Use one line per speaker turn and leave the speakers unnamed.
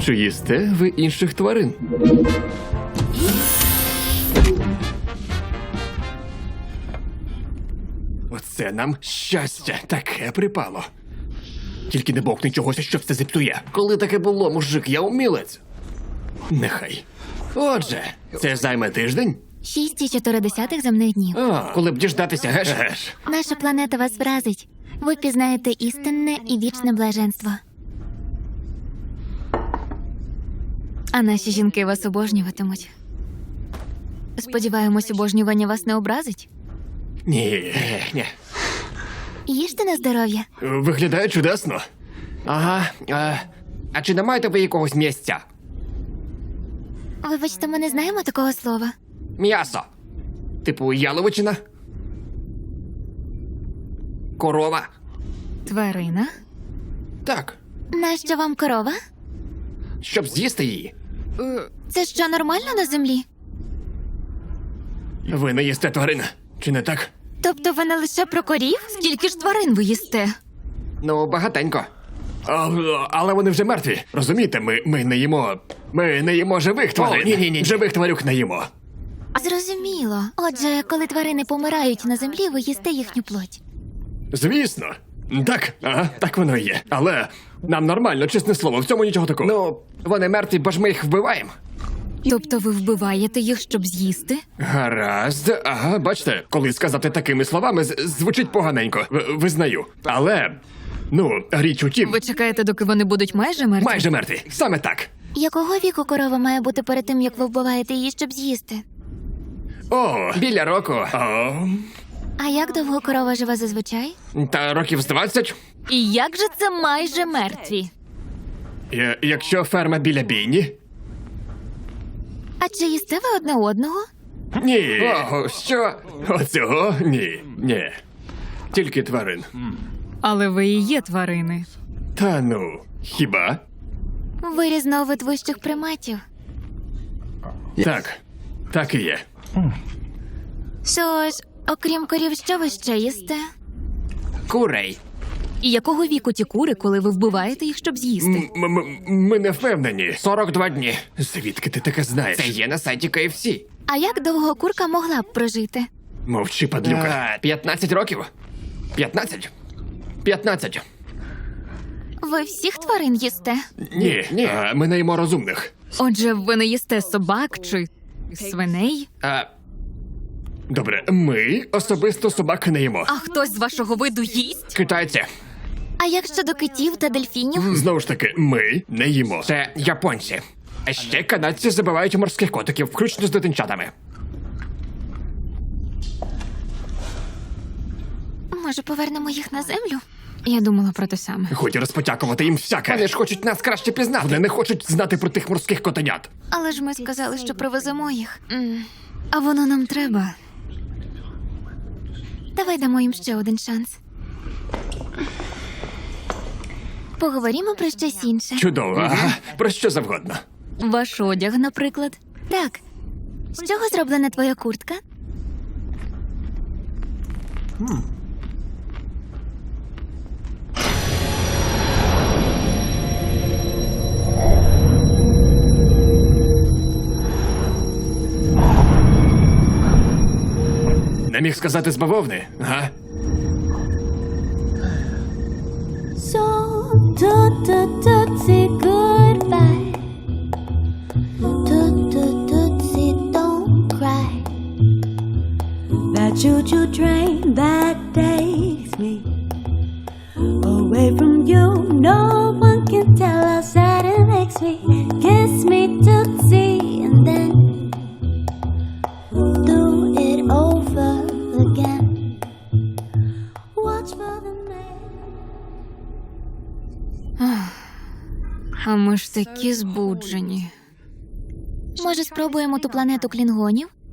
Чи їсте ви інших тварин? Оце нам щастя таке припало. Тільки не бовкни чогось, що все зіпсує. Коли таке було, мужик, я умілець. Нехай. Отже, це займе тиждень?
6,4 земних днів.
А, коли б діждатися, геш.
Наша планета вас вразить. Ви пізнаєте істинне і вічне блаженство. А наші жінки вас обожнюватимуть. Сподіваємось, обожнювання вас не образить?
Ні.
Їжте на здоров'я.
Виглядає чудесно. Ага. А чи не маєте ви якогось місця?
Вибачте, ми не знаємо такого слова.
М'ясо. Типу яловичина? Корова?
Тварина?
Так.
Нащо вам корова?
Щоб з'їсти її.
Це що, нормально на землі?
Ви не їсте тварин, чи не так?
Тобто ви не лише про корів? Скільки ж тварин ви їсте?
Ну, багатенько. Але вони вже мертві. Розумієте, ми не їмо. Ми не їмо живих тварин. Ні. Живих тварюк не їмо.
Зрозуміло. Отже, коли тварини помирають на землі, ви їсте їхню плоть.
Звісно. Так, ага, так воно і є. Але нам нормально, чесне слово, в цьому нічого такого. Ну, вони мертві, бо ж ми їх вбиваємо.
Тобто ви вбиваєте їх, щоб з'їсти?
Гаразд. Ага, бачите, коли сказати такими словами, звучить поганенько. Визнаю. Але, річ у тім,
Ви чекаєте, доки вони будуть майже мертві?
майже мертві. Саме так.
Якого віку корова має бути перед тим, як ви вбиваєте її, щоб з'їсти?
О, біля року.
А як довго корова живе зазвичай?
Та років з 20.
І як же це майже мертві?
Якщо ферма біля бійні.
А чи їсте ви одне одного?
Ні. Ого, що? Оцього? Ні. Тільки тварин.
Але ви і є тварини.
Та ну, хіба?
Ви різновид вищих приматів.
Так і є.
Що ж, окрім корів, що ви ще їсте?
Курей.
І якого віку ті кури, коли ви вбиваєте їх, щоб з'їсти?
Ми не впевнені. 42 дні. Звідки ти таке знаєш? Це є на сайті KFC.
А як довго курка могла б прожити?
Мовчи, падлюка. 15 років? 15.
Ви всіх тварин їсте?
Ні. Ми не їмо розумних.
Отже, ви не їсте собак чи свиней?
Добре, ми особисто собак не їмо.
А хтось з вашого виду їсть?
Китайці.
А як щодо китів та дельфінів?
Знову ж таки, ми не їмо. Це японці. А ще канадці забивають морських котиків, включно з дитинчатами.
Може, повернемо їх на землю?
Я думала про те саме.
Хоч розпотякувати їм всяке. Вони ж хочуть нас краще пізнати. Вони не хочуть знати про тих морських котенят.
Але ж ми сказали, що привеземо їх.
А воно нам треба.
Давай дамо їм ще один шанс. Поговоримо про щось інше.
Чудово. Ага. Про що завгодно.
Ваш одяг, наприклад.
Так. З чого зроблена твоя куртка?
Не міг сказати з бавовни, га?
So, tootsie goodbye. Tootsie, don't cry. That choo-choo train that takes me away from you. No one can tell how sad it makes me. Kiss me, tootsie, and then do it over again. Watch for the man.
А ми ж такі збуджені.
Може, спробуємо ту планету клінгонів?